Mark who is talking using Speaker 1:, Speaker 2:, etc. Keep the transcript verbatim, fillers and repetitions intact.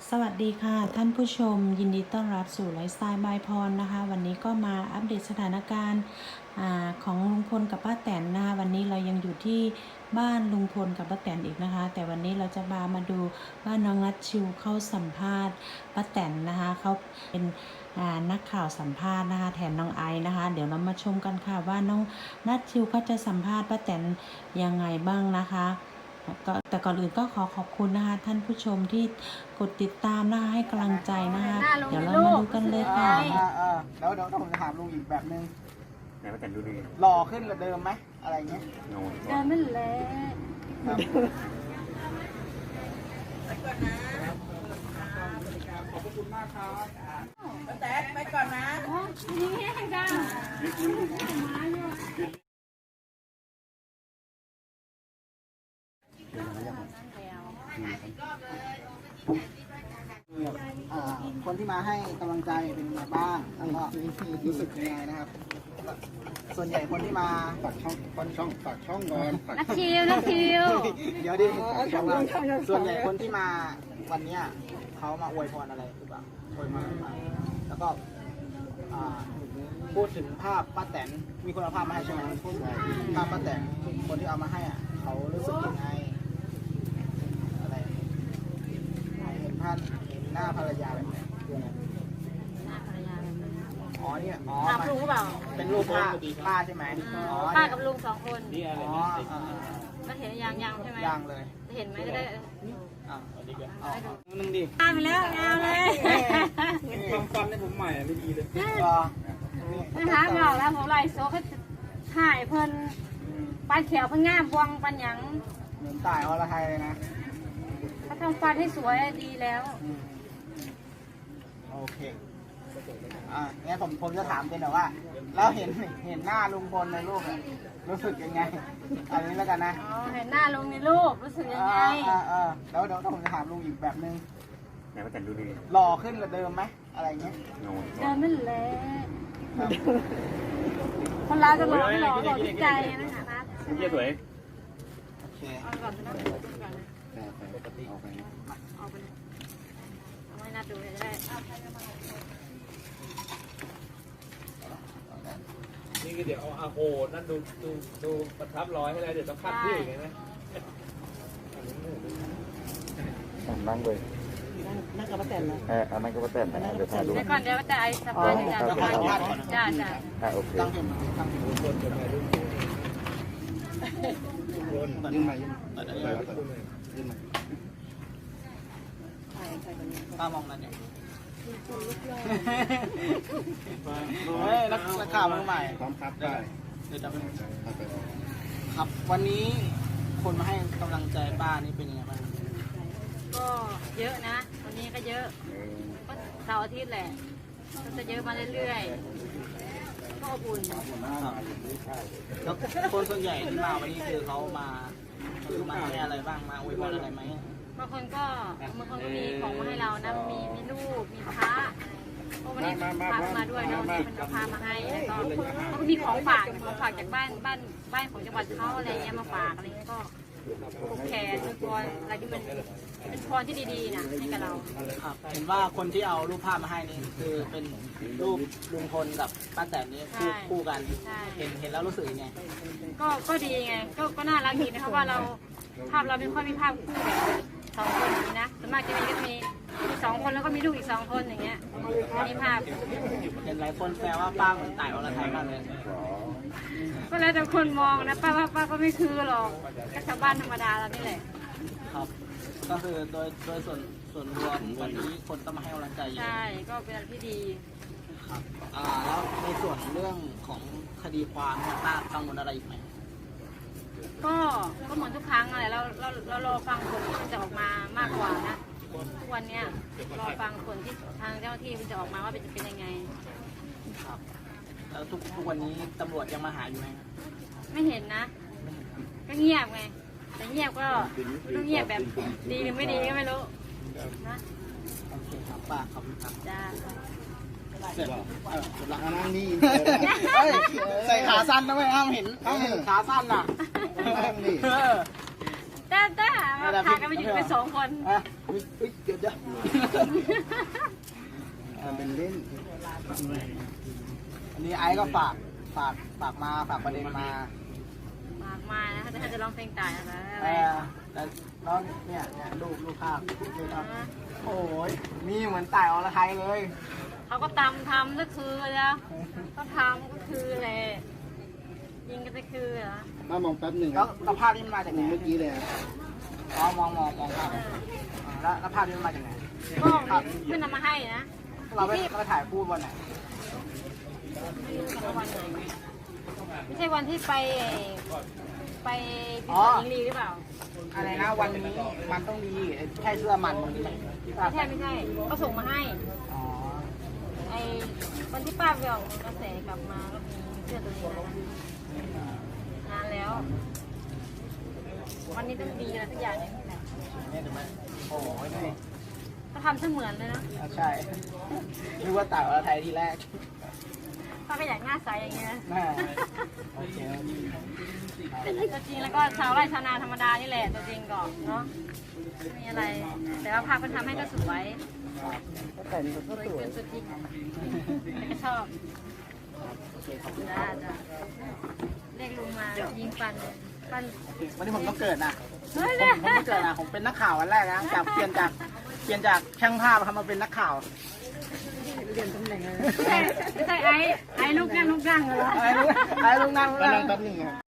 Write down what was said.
Speaker 1: สวัสดีค่ะท่านผู้ชมยินดีต้อนรับสู่ไลฟ์สไตล์บายพรนะคะวันนี้ก็มาอัปเดตสถานการณ์ของลุงพลกับป้าแตนนะคะวันนี้เรายังอยู่ที่บ้านลุงพลกับป้าแตนอีกนะคะแต่วันนี้เราจะมามาดูว่าน้องนัทชิวเข้าสัมภาษณ์ป้าแตนนะคะเขาเป็นนักข่าวสัมภาษณ์นะคะแทนน้องไอซ์นะคะเดี๋ยวเรามาชมกันค่ะว่าน้องนัทชิวเขาจะสัมภาษณ์ป้าแตนยังไงบ้างนะคะแต่ก่อนอื่นก็ขอขอบคุณนะคะท่านผู้ชมที่กดติดตามนะคะให้กำลังใจนะคะเดี๋ยวเรามาดูกันเลยค่ะ
Speaker 2: แล้วเดี๋ยวผมจะถามลุงอีกแบบนึง
Speaker 3: ไหนว่าแต่ดูดี
Speaker 2: หล่อขึ้นกว่าเดิมไหมอะไรเงี้ย
Speaker 3: โน่
Speaker 4: เดิมไม่แหละ
Speaker 2: ไปก่อนนะขอบคุณมากครับป้าแตนไปก่อนนะ
Speaker 4: อ๋อนี่แห้งจัง
Speaker 2: คนที่มาให้กำลังใจเป็นยังไงบ้างแล้วก็รู้สึกยังไงนะครับส่วนใหญ่คนที่มา
Speaker 3: ฝากช่องฝากช่องฝากช่องก่อน
Speaker 4: นักคิวนักคิว
Speaker 2: เดี๋ยวดิส่วนใหญ่คนที่มาวันนี้เขามาอวยพรอะไรหรือเปล่าอวยพรอะไรแล้วก็พูดถึงภาพป้าแตนมีคนเอาภาพมาให้ใช่ไหมภาพป้าแตนคนที่เอามาให้อ่ะเขารู้สึกยังไงอะไรเห็นภาพเห็นหน้าภรรยาแบบนี้คืออะไร
Speaker 4: หน้าภรรยาแบบนี้
Speaker 2: อ๋อเนี่ยอ๋อ
Speaker 4: ภาพลุงเปล่า
Speaker 2: เป็นรูปป้าป้าใช่ไหม
Speaker 4: อ๋อป้ากับลุงสองคน
Speaker 2: อ๋อ
Speaker 4: มันเห็นยังยังใช่ไหม
Speaker 2: ยังเลย
Speaker 4: จะเห็นไหมจะได้
Speaker 2: อ่าดีกว่าอ๋อนึงดิ
Speaker 4: ตามไปแล้วเอาเลย
Speaker 2: ความฟันในผมใหม่ไม่ดีเลย
Speaker 4: นะคะบอกแล้วผมไล่โซ่เขาถ่ายเพิ่นปลาเขียวเพิ่งง่ามบวงปันหยัง
Speaker 2: เหมือนตายอรไทยเลยนะ
Speaker 4: เขาทำฟันให้สวยดีแล้ว
Speaker 2: โอเคอ่างั้นผมผมจะถามเป็นแบบว่าแล้วเห็นเห็นหน้าลุงพลในรูปรู้สึกยังไงอันนี้แล้วกันนะ
Speaker 4: อ๋อเห็นหน้าลุงในรูปรู้สึกยังไง
Speaker 2: อ่าอ่าแล้วเดี๋ยวผมจะถามลุงอีกแบบนึง
Speaker 3: ไหนว่าแต่ดูดี
Speaker 2: หล่อขึ้นกว่าเดิมไหมอะไรเงี้ย
Speaker 3: โน่
Speaker 4: เดิมไม่แหละคนเราจะหล่อไม่หล่อหล่อที่ใจนะคะนัท
Speaker 3: เยี่ยสวย
Speaker 2: โอเค
Speaker 4: เอาก่อนนะ
Speaker 3: ปกติเอาไป
Speaker 4: เอาไปเอาให้นัดดูเลยจะได้
Speaker 5: นี่ก็เดี๋ยวเอาอาโหนั่นดูดูดูประทับร้อยให้แล้วเดี๋ยวต้องคัดที่อย่างนี้นะ
Speaker 3: นั่งเลย
Speaker 1: นั่งกับป้าแตนนะ
Speaker 3: เอออันนั้นก็ป้าแตนนะเดี๋ยวถ่ายรูป
Speaker 4: ก่อนเดี๋ยวแต่ไอ้สะพานจะจะจ้าจ้า
Speaker 3: อ่าโอเค
Speaker 2: ตั้งเห็นตั้งเห็นรูปคนจะไปรูปคนคนยื่นมายื่นมายื่นมาป้ามองนั่นเนี่ยเฮ้ยนักข่าวมือใหม่
Speaker 3: พร้อมครับได้
Speaker 2: เดี๋ยวจะเป็นครับวันนี้คนมาให้กำลังใจป้านี่เป็นยังไงบ้าง
Speaker 4: ก็เยอะนะวันนี้ก็เยอะก็เสาร์อาทิตย์แหละก็จะเยอะมาเรื่อยๆก็อบอุ่น
Speaker 2: แล้วคนส่วนใหญ่ที่มาวันนี้คือเขามาคือมาให้อะไรบ้างมาอวยพรอะไรไหม
Speaker 4: บางคนก็บางคนก็มีของมาให้เรานะมีมีลูกมีพระพวกนี้พามาด้วยนะวันนี้มันพามาให้แล้วก็ก็มีของฝากของฝากจากบ้านบ้านบ้านของจังหวัดเขาอะไรเงี้ยมาฝากอะไรก็ผูกแขนเป็นพรอะไรที่มันเป็นพรที่ดีๆนะให้กับเรา
Speaker 2: ครับเห็นว่าคนที่เอารูปภาพมาให้นี่คือเป็นรูปลุงพลกับป้าแตนนี่คู่คู่กันเห็นเห็นแล้วรู้สึกยังไง
Speaker 4: ก็ก็ดีไงก็ก็น่ารักดีนะครับว่าเราภาพเราไม่ค่อยมีภาพคู่แบบสองคนนี้นะส่วนมากจะมีก็มีมีสองคนแล้วก็มีลูกอีกสองคนอย่างเงี้ยอันนี้ภาพ
Speaker 2: เห็นหลายคนแซวว่าป้าเหมือนต่ายอรไทยมากเลย
Speaker 4: ก็แล้วแต่คนมองนะป้าว่าป้าก็ไม่คือหรอกก็ชาวบ้านธรรมดาเรานี่แหละ
Speaker 2: ครับก็คือโดยโดยส่วนส่วนรวมวันนี้คนก็มาให้กำลังใจเยอะ
Speaker 4: ใช่ก็เป็นอะไรที่ดี
Speaker 2: ครับอ่าแล้วในส่วนเรื่องของคดีความป้ากังวลอะไรอีกไหม
Speaker 4: ก็ก็เหมือนทุกครั้งอะไรเราเราเรารอฟังผลที่จะออกมามากกว่านะทุกวันเนี้ยรอฟังผลที่ทางเจ้าหน้าที่มันจะออกมาว่าจะเป็นยังไง
Speaker 2: ครับแล้วทุกทุกวันนี้ตำรวจยังมาหาอยู่ไหม
Speaker 4: ไม่เห็นนะก็เงียบไงแต่เงียบก็ต้องเงียบแบบดีหรือไม่ดีก็ไม่รู้นะ
Speaker 2: โอเคครับป้าขอบคุณครับ
Speaker 4: จ้า
Speaker 2: เสร็จหลังนั่งนี่ใส่ขาสั้นนะไม่ห้ามเห็นห้ามเห็นขาสั้นน่ะ
Speaker 4: ได้แล้วแต่มาพากันไปอยู่เป็นสองคน
Speaker 2: อ่ะอุ๊ยอุ๊ยเดี๋ยวเดี๋ยวอ่าเป็นเล่นอันนี้ไอซ์ก็ฝากฝากฝากมาฝากประเด็นมา
Speaker 4: มากมายนะถ้าจะร้องเพลงตายอะไร
Speaker 2: เออแต่น้องเนี่ยเนี่ยรูปรูปภาพรูปภาพโอ้ยมีเหมือนต่ายอรไทยเลย
Speaker 4: เขาก็ตำทำก็คือแล้วเขาทำก็คือแหละยิงก็จะคือเหรอ
Speaker 3: มามองแป๊บหนึ่ง
Speaker 2: แล้วแล้วภาพนี้มันมาจากไหน
Speaker 3: เมื่อกี้เลย
Speaker 2: อ๋อมองมองมองภาพอ่าแล้วแล้วภาพนี้มันมาจากไหน
Speaker 4: ก็เพื่อนนำมาให้นะ
Speaker 2: เราไปเราไปถ่ายคู่วันไหน
Speaker 4: ไม่รู้กับวันไหนไม่ใช่วันที่ไปไปพิพิธภัณฑ์หญิงลีหรือเปล่า
Speaker 2: อะไรนะวันนี้มันต้องดีใช่เสื้อมันมันที่ภาพ
Speaker 4: ไม่ใช่ไม่ใช่ก็ส่งมาให้
Speaker 2: อ๋อ
Speaker 4: ไอ้วันที่ป้าไปออกกระแสกลับมาก็มีเสื้อตัวนี้นะนานแล้ว วันนี้ต้องดีอะไรทุกอย่างเนี่ย
Speaker 2: เนี่ยถูกไหมโอ้ยนี่
Speaker 4: เขาทำเสมือนเลยนะ
Speaker 2: อ่ะใช่นึกว่าต่ายอรไทยทีแรก
Speaker 4: ป้าก็อยากหน้าใสอย่างเงี้ย
Speaker 2: แม่โอเค
Speaker 4: ตัวจริงแล้วก็ชาวไร่ชาวนาธรรมดานี่แหละตัวจริงก่อนเนาะไม่มีอะไร แต่ว่าภาพมันทำให้ก็สวย
Speaker 2: แต่นี่ก็
Speaker 4: สวย
Speaker 2: สวย
Speaker 4: เกินสุดจริงแต่ก็ชอบ
Speaker 2: โอเคขอบคุณ
Speaker 4: จ้าจ้าเรียกลุงมายิงปันปัน
Speaker 2: วันนี้ผมต้องเกิดนะ
Speaker 4: เฮ้ย
Speaker 2: ผมผมไม่เกิดนะผมเป็นนักข่าววันแรกนะจากเปลี่ยนจากเปลี่ยนจากช่างภาพทำมาเป็นนักข่าวเปลี่ยนตำแหน่งเลย
Speaker 4: ไม่ใช่ไม่ใช่ไอ้ไอ้ลูกนั่งลูกนั่งเหรอ
Speaker 2: ไอ้ลูกไอ้ลูกนั่งลูกนั่ง
Speaker 3: แป๊บหนึ่ง